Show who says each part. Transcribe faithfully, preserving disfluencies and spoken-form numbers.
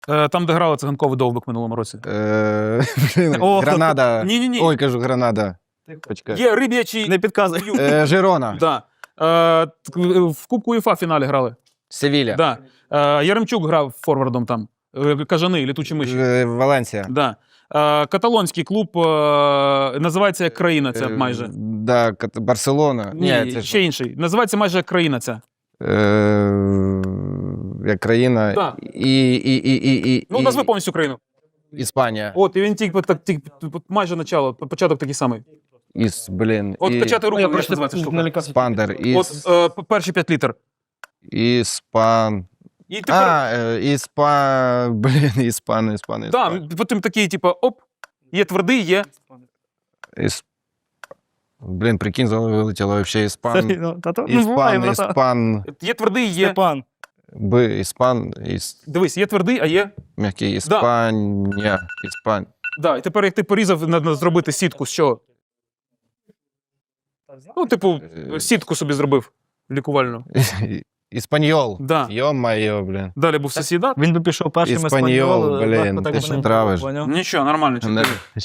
Speaker 1: Е, Там, де грали циганковий довбик в минулому році.
Speaker 2: Е, блін,
Speaker 1: О,
Speaker 2: Гранада.
Speaker 1: Ні-ні-ні.
Speaker 2: Ой, кажу, Гранада. Почекай.
Speaker 1: Є риб'ячий...
Speaker 3: Не підказуй.
Speaker 2: Е, Жирона.
Speaker 1: Да. Е, т- в Кубку УЄФА в фіналі грали.
Speaker 2: Севіля.
Speaker 1: Да. Е, Яремчук грав форвардом там. Е, Кажани, літучі миші.
Speaker 2: Е, Валенсія.
Speaker 1: Да. Е, Каталонський клуб е, називається як країна ця
Speaker 2: Е,
Speaker 1: майже.
Speaker 2: Да, Кат- Барселона.
Speaker 1: Ні,
Speaker 2: це
Speaker 1: ще
Speaker 2: ж,
Speaker 1: інший. Називається майже як країна ця.
Speaker 2: е, як країна.
Speaker 1: Да.
Speaker 2: І, і, і, і, і,
Speaker 1: Ну,
Speaker 2: і-
Speaker 1: назви повністю країну.
Speaker 2: Іспанія.
Speaker 1: От, і він тільки так, тільки, майже начало, початок такий самий.
Speaker 2: Іс, блін.
Speaker 1: От
Speaker 2: і...
Speaker 1: качати руку,
Speaker 3: Я
Speaker 1: як
Speaker 3: просто
Speaker 1: називається штука.
Speaker 3: налякався.
Speaker 2: Спандер. Іс...
Speaker 1: От е, п- перші п'ять літер.
Speaker 2: Іспан...
Speaker 1: І тепер,
Speaker 2: А, е, іспа... Блін, іспан, іспан,
Speaker 1: да,
Speaker 2: іспан.
Speaker 1: потім такий, типу, оп, є твердий, є.
Speaker 2: Іс... Блін, прикинь, з голови вилетіло вообще
Speaker 3: Це,
Speaker 2: іспан.
Speaker 3: ну, та то не буває,
Speaker 2: Іспан,
Speaker 3: брата.
Speaker 2: іспан...
Speaker 1: Є твердий, є.
Speaker 3: Степан.
Speaker 2: Б, іспан, іс...
Speaker 1: Дивись, є твердий, а є.
Speaker 2: М'який, іспанія, іспан...
Speaker 1: Да, і тепер, як ти порізав, треба зробити сітку з чого? Ну, типу, сітку собі зробив лікувальну.
Speaker 2: Іспаньол.
Speaker 1: Да.
Speaker 2: Йо-майо, блін.
Speaker 1: Далі був сусідат.
Speaker 3: Він би пішов першим
Speaker 2: Іспаньол,
Speaker 3: Еспаньол,
Speaker 2: блін,
Speaker 3: легко так
Speaker 2: ти
Speaker 3: би
Speaker 2: що
Speaker 3: не
Speaker 2: травиш?
Speaker 3: було, поняв?
Speaker 1: Нічого, нормально. чотири.